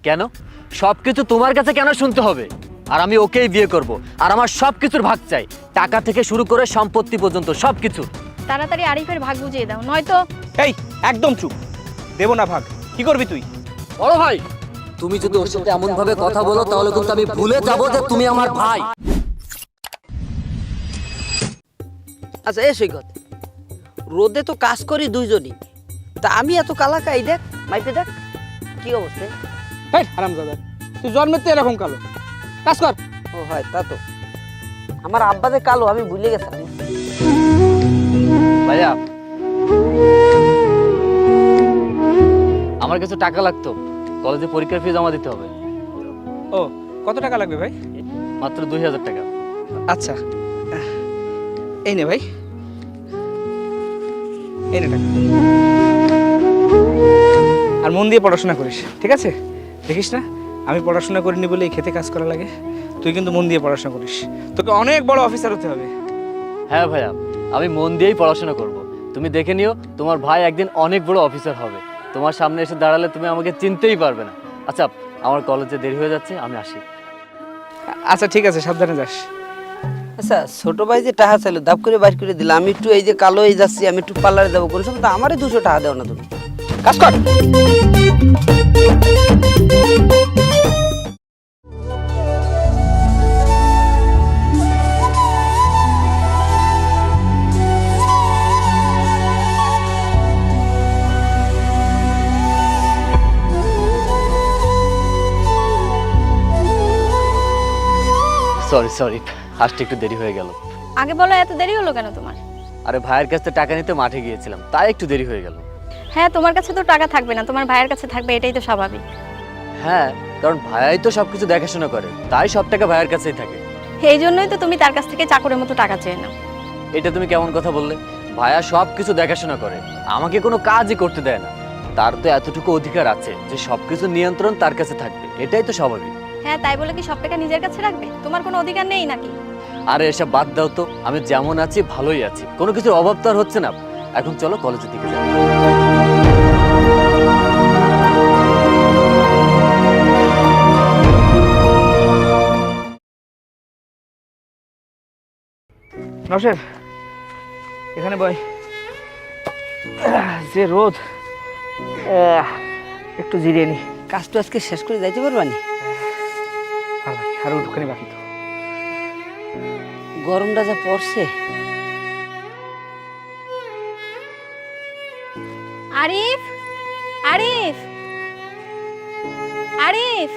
কেন? সবকিছু তোমার কাছে কেন শুনতে হবে? আর আমি ওকেই বিয়ে করব, আর আমার সবকিছুর ভাগ চাই, টাকা থেকে শুরু করে সম্পত্তি পর্যন্ত সবকিছু। তাড়াতাড়ি আরিফের ভাগ বুঝিয়ে দাও, নয়তো। এই একদম চুপ, দেবো না ভাগ। কি করবি তুই? বড় ভাই, তুমি যদি ওর সাথে এমন ভাবে কথা বলো তাহলে কিন্তু আমি ভুলে যাব যে তুমি আমার ভাই। আচ্ছা এ সৈকত, রোদে তো কাজ করি দুইজনই, তা আমি এত কালাকাই দেখ, মাইপে দেখ কি অবস্থা। এই হারামজাদা, তুই জন্মের তো এরকম কালো। কাজ কর। ও হয় তা তো, আমার আব্বা যে কালো আমি ভুলে গেছিলাম। ভাইয়া, আমার কাছে টাকা লাগতো, কলেজে পরীক্ষার ফি জমা দিতে হবে। ও কত টাকা লাগবে ভাই? মাত্র 2000 টাকা। আচ্ছা এই নে ভাই, এই নে টাকা। আর মন দিয়ে পড়াশোনা করিস, ঠিক আছে? দেখিস না আমি পড়াশোনা করিনি বলে এই খেতে কাজ করা লাগে। তুই কিন্তু মন দিয়ে পড়াশোনা করিস, তোকে অনেক বড় অফিসার হতে হবে। হ্যাঁ ভাইয়া, আমি মন দিয়েই পড়াশোনা করব। তুমি দেখে নিও, তোমার ভাই একদিন অনেক বড় অফিসার হবে। তোমার সামনে এসে দাঁড়ালে তুমি আমাকে চিনতেই পারবে না। আচ্ছা, আমার কলেজে দেরি হয়ে যাচ্ছে, আমি আসি। আচ্ছা ঠিক আছে, সাবধানে যাস। আচ্ছা ছোট ভাই যে টাকা চাইলো দাব করে বাইর করে দিলাম, আমি একটু এই যে কালো হয়ে যাচ্ছি, আমি একটু পার্লারে যাবো, কোন সময় তো আমারই 200 টাকা দেও না তুমি। কাজ কর। সরি সরি, আসতে একটু দেরি হয়ে গেল। আগে বলো, এত দেরি হলো কেন তোমার? আরে ভাইয়ের কাছ থেকে টাকা নিতে মাঠে গিয়েছিলাম, তাই একটু দেরি হয়ে গেল। হ্যাঁ, তোমার কাছে তো টাকা থাকবে না, তোমার ভাইয়ের কাছে থাকবে, এটাই তো স্বাভাবিক। হ্যাঁ, কারণ ভাইয়াই তো সবকিছু দেখাশোনা করে, তাই সব টাকা ভাইয়ের কাছেই থাকে। এই জন্যই তো তুমি তার কাছ থেকে চাকরের মতো টাকা চেয়ে নাও। এটা তুমি কেমন কথা বললে? ভাইয়া সবকিছু দেখাশোনা করে, আমাকে কোনো কাজই করতে দেয় না। তার তো এতটুকু অধিকার আছে যে সবকিছু নিয়ন্ত্রণ তার কাছে থাকবে, এটাই তো স্বাভাবিক। হ্যাঁ, তাই বলে কি সব টাকা নিজের কাছে রাখবে? তোমার কোনো অধিকার নেই নাকি? আরে এসব বাদ দাও তো, আমি যেমন আছি ভালোই আছি, কোনো কিছুর অভাব তো আর হচ্ছে না। এখন চলো কলেজের দিকে যাই। নওশের, এখানে বয়। যে রোদ, একটু জিরিয়ে নি। কাজ তো আজকে শেষ করে যাইতে পারবানি? আরো একটুখানি বাকি তো। গরমটা যা পড়ছে। আরিফ, আরিফ, আরিফ।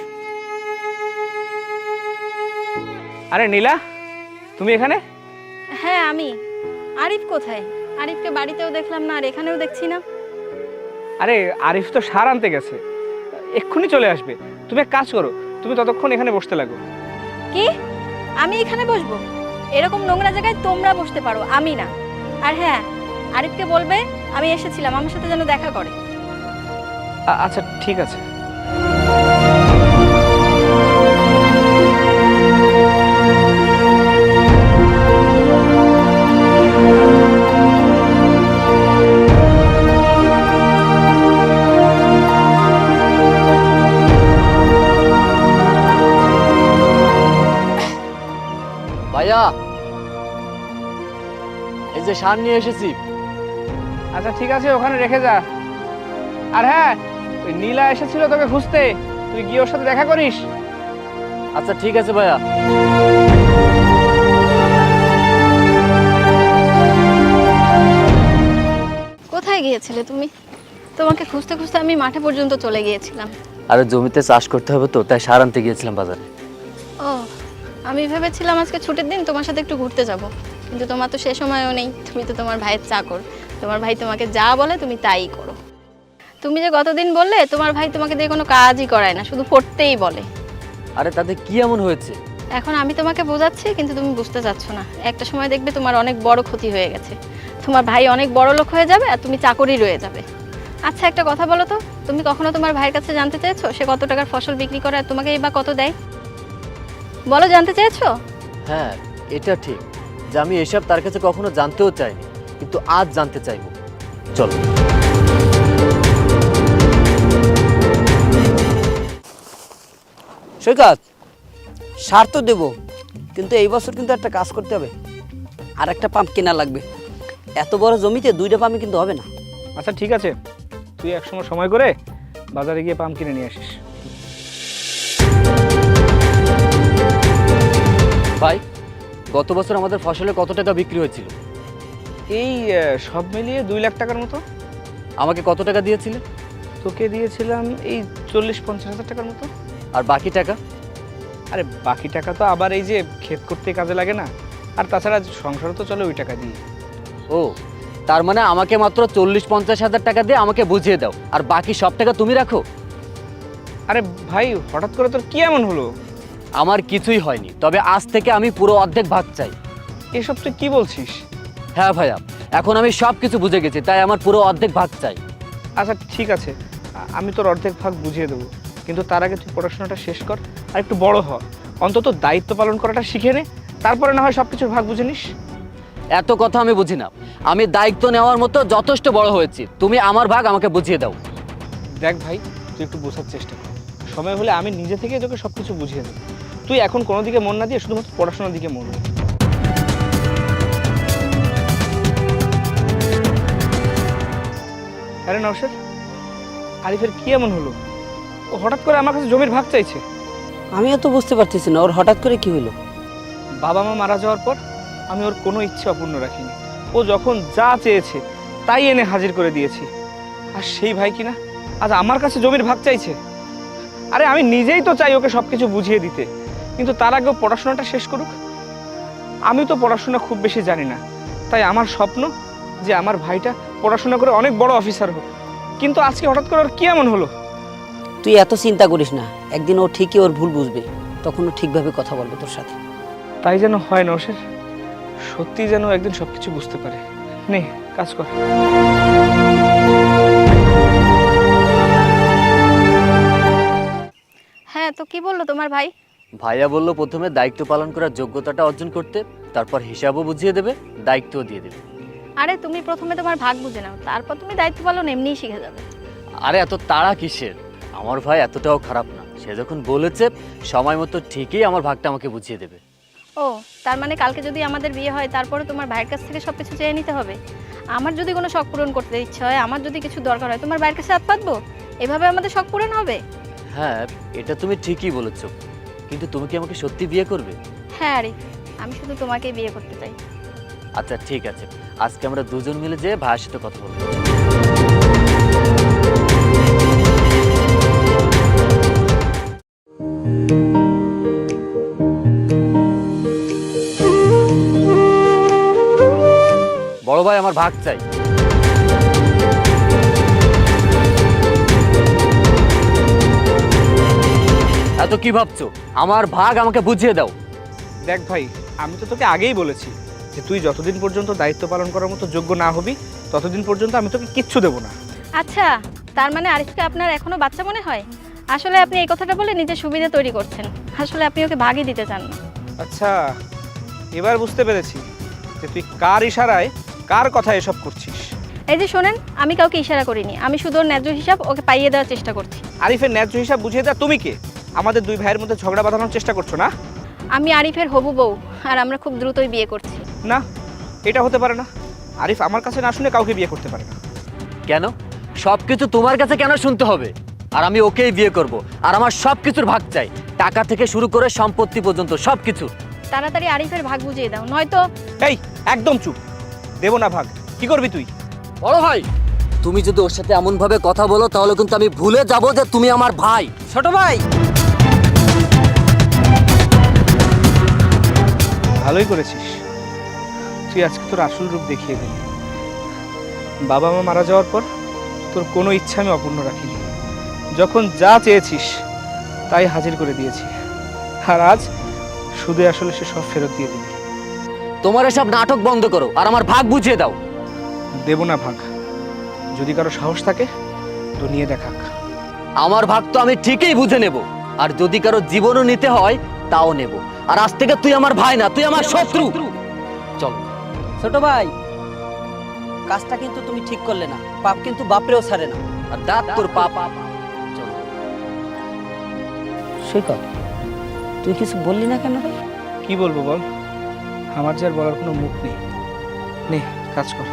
আরে নীলা, তুমি এখানে? হ্যাঁ আমি। আরিফ কোথায়? আরিফকে বাড়িতেও দেখলাম না, আর এখানেও দেখছি না। আরে আরিফ তো সার আনতে গেছে, এক্ষুনি চলে আসবে। তুমি এক কাজ করো, তুমি ততক্ষণ এখানে বসতে লাগো। কি? আমি এখানে বসবো? এরকম নোংরা জায়গায় তোমরা বসতে পারো, আমি না। আর হ্যাঁ, আরিফকে বলবে আমি এসেছিলাম, আমার সাথে যেন দেখা করে। আচ্ছা ঠিক আছে। ভাইয়া, এই যে সার নিয়ে এসেছি। আচ্ছা ঠিক আছে, ওখানে রেখে যা। আর হ্যাঁ, ওই নীলা এসেছিল তোকে খুঁজতে, তুই গিয়ে ওর সাথে দেখা করিস। আচ্ছা ঠিক আছে ভাইয়া। কোথায় গিয়েছিলে তুমি? তোমাকে খুঁজতে খুঁজতে আমি মাঠে পর্যন্ত চলে গিয়েছিলাম। আরে জমিতে চাষ করতে হবে তো, তাই সার আনতে গিয়েছিলাম বাজারে। ও, আমি ভেবেছিলাম আজকে ছুটির দিন তোমার সাথে একটু ঘুরতে যাব, কিন্তু তোমার তো সে সময়ও নেই। তুমি তো তোমার ভাইয়ের চাকর, তোমার ভাই তোমাকে যা বলে তুমি তাই করো। তুমি যে গতদিন বললে তোমার ভাই তোমাকে দিয়ে কোনো কাজই করায় না, শুধু পড়তেই বলে। আরে তাতে কি এমন হয়েছে? এখন আমি তোমাকে বোঝাচ্ছি, কিন্তু তুমি বুঝতে চাচ্ছ না। একটা সময় দেখবে তোমার অনেক বড় ক্ষতি হয়ে গেছে, তোমার ভাই অনেক বড় লোক হয়ে যাবে আর তুমি চাকরই রয়ে যাবে। আচ্ছা একটা কথা বলো তো, তুমি কখনো তোমার ভাইয়ের কাছে জানতে চেয়েছো সে কত টাকার ফসল বিক্রি করে আর তোমাকে এই বা কত দেয়? বলো, জানতে চেয়েছো? হ্যাঁ, এটা ঠিক যে আমি এসব তার কাছে কখনো জানতেও চাইনি, কিন্তু আজ জানতে চাইবো। চলো। সৈকত, সার তো দেবো, কিন্তু এই বছর কিন্তু একটা কাজ করতে হবে, আর একটা পাম্প কেনা লাগবে। এত বড় জমিতে 2টা পাম্প কিন্তু হবে না। আচ্ছা ঠিক আছে, তুই একসময় সময় করে বাজারে গিয়ে পাম্প কিনে নিয়ে আসিস। ভাই, গত বছর আমাদের ফসলে কত টাকা বিক্রি হয়েছিল? এই সব মিলিয়ে 2 লাখ টাকার মতো। আমাকে কত টাকা দিয়েছিলে? তোকে দিয়েছিলাম এই 40-50 হাজার টাকার মতো। আর বাকি টাকা? আরে বাকি টাকা তো আবার এই যে ক্ষেত করতে কাজে লাগে না, আর তাছাড়া সংসারও তো চলে ওই টাকা দিয়ে। ও, তার মানে আমাকে মাত্র 40-50 হাজার টাকা দিয়ে আমাকে বুঝিয়ে দাও, আর বাকি সব টাকা তুমি রাখো? আরে ভাই, হঠাৎ করে তোর কি এমন হলো? আমার কিছুই হয়নি, তবে আজ থেকে আমি পুরো অর্ধেক ভাগ চাই। এসব তুই কি বলছিস? হ্যাঁ ভাইয়া, এখন আমি সব কিছু বুঝে গেছি, তাই আমার পুরো অর্ধেক ভাগ চাই। আচ্ছা ঠিক আছে, আমি তোর অর্ধেক ভাগ বুঝিয়ে দেবো, কিন্তু তার আগে তুই পড়াশোনাটা শেষ কর আর একটু বড় হ, অন্তত দায়িত্ব পালন করাটা শিখে নে, তারপরে না হয় সব কিছুর ভাগ বুঝে নিস। এত কথা আমি বুঝি না, আমি দায়িত্ব নেওয়ার মতো যথেষ্ট বড় হয়েছি, তুমি আমার ভাগ আমাকে বুঝিয়ে দাও। দেখ ভাই, তুই একটু বোঝার চেষ্টা কর, সময় হলে আমি নিজে থেকে তোকে সব কিছু বুঝিয়ে দেবো। তুই এখন কোনো দিকে মন না দিয়ে শুধুমাত্র পড়াশোনার দিকে মন দে। আরে নওশাদ, আরিফের কি এমন হলো? ও হঠাৎ করে আমার কাছে জমির ভাগ চাইছে। আমিও তো বুঝতে পারতেছি না ওর হঠাৎ করে কি হলো। বাবা মা মারা যাওয়ার পর আমি ওর কোনো ইচ্ছে অপূর্ণ রাখিনি। ও যখন যা চেয়েছে তাই এনে হাজির করে দিয়েছি, আর সেই ভাই কিনা আজ আমার কাছে জমির ভাগ চাইছে। আরে আমি নিজেই তো চাই ওকে সব কিছু বুঝিয়ে দিতে, কিন্তু তার আগেও পড়াশোনাটা শেষ করুক। আমি তো পড়াশোনা খুব বেশি জানি না, তাই আমার স্বপ্ন যে আমার ভাইটা পড়াশোনা করে অনেক বড় অফিসার হোক, কিন্তু আজকে হঠাৎ করে ওর কি এমন হলো? তুই এত চিন্তা করিস না, একদিন ও ঠিকই ওর ভুল বুঝবে, তখন ও ঠিকভাবে কথা বলবে তোর সাথে। তাই যেন হয় নওশাদ, সত্যি যেন একদিন সবকিছু বুঝতে পারে। নে কাজ কর। হ্যাঁ, তো কি বললো তোমার ভাই? ভাইয়া বলল প্রথমে দায়িত্ব পালন করার যোগ্যতাটা অর্জন করতে, তারপর হিসাবও বুঝিয়ে দেবে, দায়িত্বও দিয়ে দেবে। আরে তুমি প্রথমে তোমার ভাগ বুঝে নাও, তারপর তুমি দায়িত্ব পালন এমনিই শিখে যাবে। আরে এত তাড়া কিসের? আমার ভাই এতটাও খারাপ না, সে যখন বলেছে সময় মতো ঠিকই আমার ভাগটা আমাকে বুঝিয়ে দেবে। ও, তার মানে কালকে যদি আমাদের বিয়ে হয় তারপরে তোমার ভাইয়ের কাছ থেকে সব কিছু চেয়ে নিতে হবে? আমার যদি কোনো শখ পূরণ করতে ইচ্ছে হয়, আমার যদি কিছু দরকার হয়, তোমার ভাইয়ের কাছে হাত পাতবো? এভাবে আমাদের শখ পূরণ হবে? হ্যাঁ, এটা তুমি ঠিকই বলেছো, কিন্তু তুমি কি আমাকে সত্যি বিয়ে করবে? হ্যাঁ আরিফ, আমি শুধু তোমাকেই বিয়ে করতে চাই। আচ্ছা ঠিক আছে, আজকে আমরা দুজন মিলে যেয়ে ভাইয়ের সাথে কথা বলবো। বড় ভাই, আমার ভাগ চাই। এত কি ভাবছো? আমার ভাগ আমাকে বুঝিয়ে দাও। দেখ ভাই, আমি তো তোকে আগেই বলেছি যে তুই যতদিন পর্যন্ত দায়িত্ব পালন করার মতো যোগ্য না হবি ততদিন পর্যন্ত আমি তোকে কিচ্ছু দেবো না। আচ্ছা, তার মানে আরিফকে আপনার এখনো বাচ্চা মনে হয়? আসলে আপনি এই কথাটা বলে নিজের সুবিধা তৈরি করছেন, আসলে আপনি ওকে ভাগই দিতে চান না। আচ্ছা, এবার বুঝতে পেরেছি যে তুই কার ইশারায় কার কথা এসব করছিস। এই যে শোনেন, আমি কাউকে ইশারা করিনি, আমি শুধু ওর ন্যায্য হিসাব ওকে পাইয়ে দেওয়ার চেষ্টা করছি। আরিফের ন্যায্য হিসাব বুঝিয়ে দেয় তুমি কে? আমাদের দুই ভাইয়ের মধ্যে ঝগড়া বাঁধানোর চেষ্টা করছো না? আমি আরিফের হবু বউ, আর আমরা খুব দ্রুতই বিয়ে করছি। না, এটা হতে পারে না। আরিফ আমার কাছে না শুনে কাউকে বিয়ে করতে পারে না। কেন? সবকিছু তোমার কাছে কেন শুনতে হবে? আর আমি ওকেই বিয়ে করব, আর আমার সবকিছুর ভাগ চাই, টাকা থেকে শুরু করে সম্পত্তি পর্যন্ত সবকিছু। তাড়াতাড়ি আরিফের ভাগ বুঝিয়ে দাও, নয়তো। এই একদম চুপ, দেবো না ভাগ। কি করবি তুই? বড় ভাই, তুমি যদি ওর সাথে এমন ভাবে কথা বলো তাহলে কিন্তু আমি ভুলে যাব যে তুমি আমার ভাই। ছোট ভাই, ভালোই করেছিস, তুই আজকে তোর আসল রূপ দেখিয়ে দিলি। বাবা মা মারা যাওয়ার পর তোর কোনো ইচ্ছা আমি অপূর্ণ রাখিনি, যখন যা চেয়েছিস তাই হাজির করে দিয়েছি, আর আজ শুধু আসলে সে সব ফেরত দিয়ে দিবি। তোমার এসব নাটক বন্ধ করো আর আমার ভাগ বুঝিয়ে দাও। দেব না ভাগ, যদি কারো সাহস থাকে তো নিয়ে দেখাক। আমার ভাগ তো আমি ঠিকই বুঝে নেব, আর যদি কারো জীবনও নিতে হয় তাও নেব। আর আজ থেকে তুই আমার ভাই না, তুই আমার শত্রু। চল। ছোট ভাই, কাজটা কিন্তু তুমি ঠিক করলে না, পাপ কিন্তু বাপরেও ছাড়ে না। আর দাঁত তোর পাপ। চল। সৈকত, তুই কিছু বললি না কেন রে? কি বলবো বল, আমার যে আর বলার কোনো মুখ নেই। নে কাজ কর।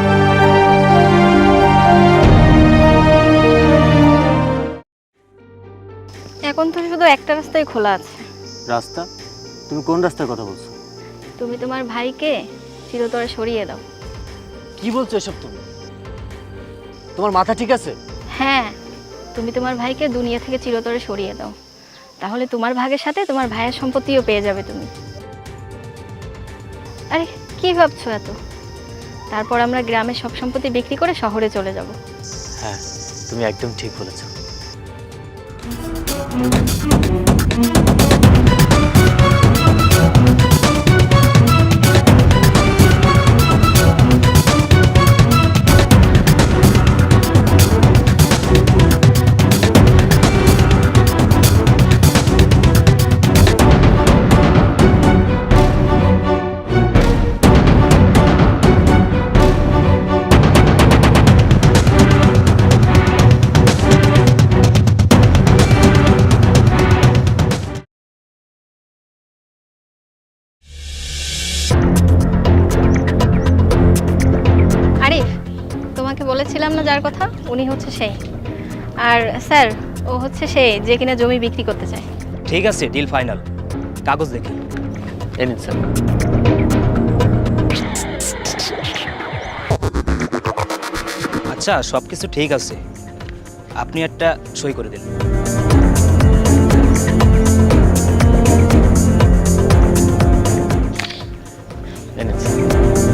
এখন তো শুধু একটা রাস্তাই খোলা আছে। রাস্তা? তুমি কোন রাস্তার কথা বলছো? তুমি তোমার ভাইকে চিরতরে সরিয়ে দাও। কি বলছো এসব তুমি? তোমার মাথা ঠিক আছে? হ্যাঁ, তুমি তোমার ভাইকে দুনিয়া থেকে চিরতরে সরিয়ে দাও, তাহলে তোমার ভাগের সাথে তোমার ভাইয়ের সম্পত্তিও পেয়ে যাবে তুমি। আরে কি ভাবছো এত? তারপর আমরা গ্রামের সব সম্পত্তি বিক্রি করে শহরে চলে যাব। হ্যাঁ, তুমি একদম ঠিক বলেছো। আরিফ, তোমাকে বলেছিলাম না যার কথা, উনি হচ্ছে সেই। আর স্যার, ও হচ্ছে সেই যে কিনা জমি বিক্রি করতে চায়। ঠিক আছে, ডিল ফাইনাল। কাগজ দেখি। এই নিন স্যার। আচ্ছা, সব কিছু ঠিক আছে, আপনি একটা সই করে দিন। এই নিন স্যার।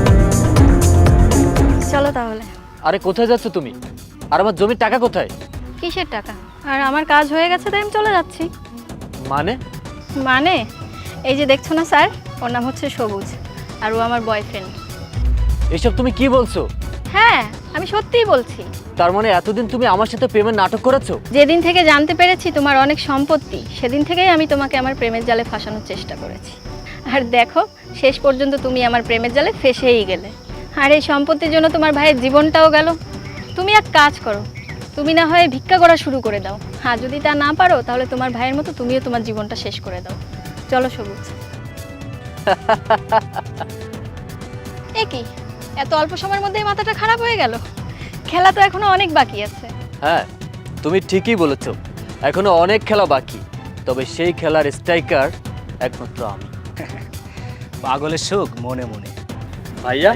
চলো তাহলে। আরে কোথায় যাচ্ছ তুমি? আর আমার জমির টাকা কোথায়? কিসের টাকা? আর আমার কাজ হয়ে গেছে তাই আমি চলে যাচ্ছি। মানে? মানে এই যে দেখছো না স্যার, ওর নাম হচ্ছে সবুজ, আর ও আমার বয়ফ্রেন্ড। এসব তুমি কি বলছো? হ্যাঁ, আমি সত্যিই বলছি। তার মানে এতদিন তুমি আমার সাথে প্রেমের নাটক করেছো? যেদিন থেকে জানতে পেরেছি তোমার অনেক সম্পত্তি, সেদিন থেকেই আমি তোমাকে আমার প্রেমের জালে ফাঁসানোর চেষ্টা করেছি। আর দেখো, শেষ পর্যন্ত তুমি আমার প্রেমের জালে ফেঁসেই গেলে। আর এই সম্পত্তির জন্য তোমার ভাইয়ের জীবনটাও গেল। তুমি এক কাজ করো, তুমি না হয় ভিক্ষা করা শুরু করে দাও। হ্যাঁ, যদি তা না পারো তাহলে তোমার ভাইয়ের মতো তুমিও তোমার জীবনটা শেষ করে দাও। চলো সবুজ। এ কি, এত অল্প সময়ের মধ্যেই মাথাটা খারাপ হয়ে গেল? খেলা তো এখনো অনেক বাকি আছে। হ্যাঁ, তুমি ঠিকই বলেছো, এখনো অনেক খেলা বাকি। তবে সেই খেলার স্ট্রাইকার একমাত্র আমি। পাগলের সুখ মনে মনে। ভাইয়া,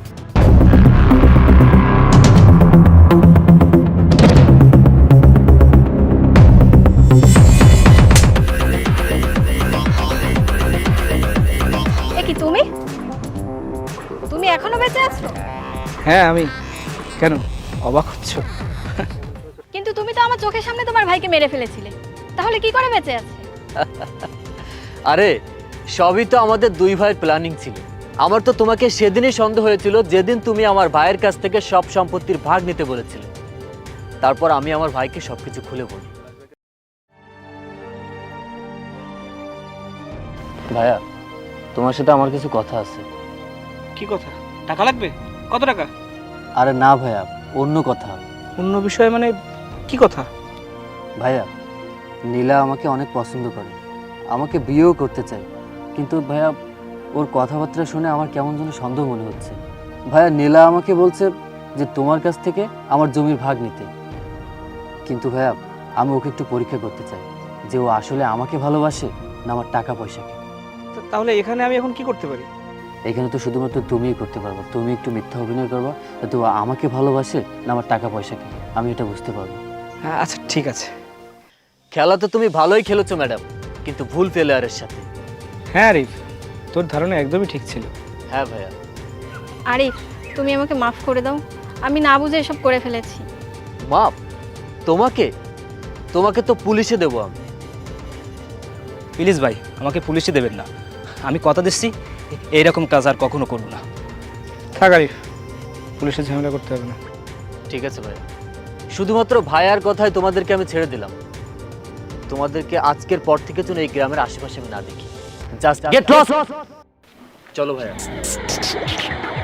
এ কি, তুমি তুমি এখনো বেঁচে আছো? হ্যাঁ আমি। কেন অবাক হচ্ছ? কিন্তু তুমি তো আমার চোখের সামনে তোমার ভাইকে মেরে ফেলেছিলে, তাহলে কি করে বেঁচে আছে? আরে সবই তো আমাদের দুই ভাইয়ের প্ল্যানিং ছিল। আমার তো তোমাকে সেদিনই সন্দেহ হয়েছিল যেদিন তুমি আমার ভাইয়ের কাছ থেকে সব সম্পত্তির ভাগ নিতে বলেছিলে। তারপর আমি আমার ভাইকে সবকিছু খুলে বলি। ভাইয়া, তোমার সাথে আমার কিছু কথা আছে। কি কথা? টাকা লাগবে? কত টাকা? আরে না ভাইয়া, অন্য কথা। অন্য বিষয়ে মানে কি কথা? ভাইয়া, নীলা আমাকে অনেক পছন্দ করে, আমাকে বিয়েও করতে চায়। কিন্তু ভাইয়া, ওর কথাবার্তা শুনে আমার কেমন যেন সন্দেহ মনে হচ্ছে। ভাইয়া, নীলা আমাকে বলছে যে তোমার কাছ থেকে আমার জমির ভাগ নিতে। কিন্তু ভাইয়া, আমি ওকে একটু পরীক্ষা করতে চাই যে ও আসলে আমাকে ভালোবাসে না আমার টাকা পয়সাকে। তাহলে এখানে আমি এখন কি করতে পারি? এখানে তো শুধুমাত্র তুমিই করতে পারবে। তুমি একটু মিথ্যা অভিনয় করবা যাতে ও আমাকে ভালোবাসে না আমার টাকা পয়সাকে। আমি এটা বুঝতে পারবো। হ্যাঁ আচ্ছা ঠিক আছে। খেলা তো তুমি ভালোই খেলেছো ম্যাডাম, কিন্তু ভুল প্লেয়ারের সাথে। হ্যাঁ আরিফ, তোর ধারণা একদমই ঠিক ছিল। হ্যাঁ ভাইয়া। আরিফ, তুমি আমাকে মাফ করে দাও, আমি না বুঝে এসব করে ফেলেছি। মাপ? তোমাকে? তোমাকে তো পুলিশে দেবো আমি। প্লিজ ভাই, আমাকে পুলিশে দেবেন না। আমি কথা দিচ্ছি এইরকম কাজ আর কখনো করব না। থাক আরিফ, পুলিশের ঝামেলা করতে হবে না। ঠিক আছে ভাইয়া, শুধুমাত্র ভাইয়ার কথায় তোমাদেরকে আমি ছেড়ে দিলাম। তোমাদেরকে আজকের পর থেকে যেন এই গ্রামের আশেপাশে আমি না দেখি। Just get lost. চলো ভাইয়া।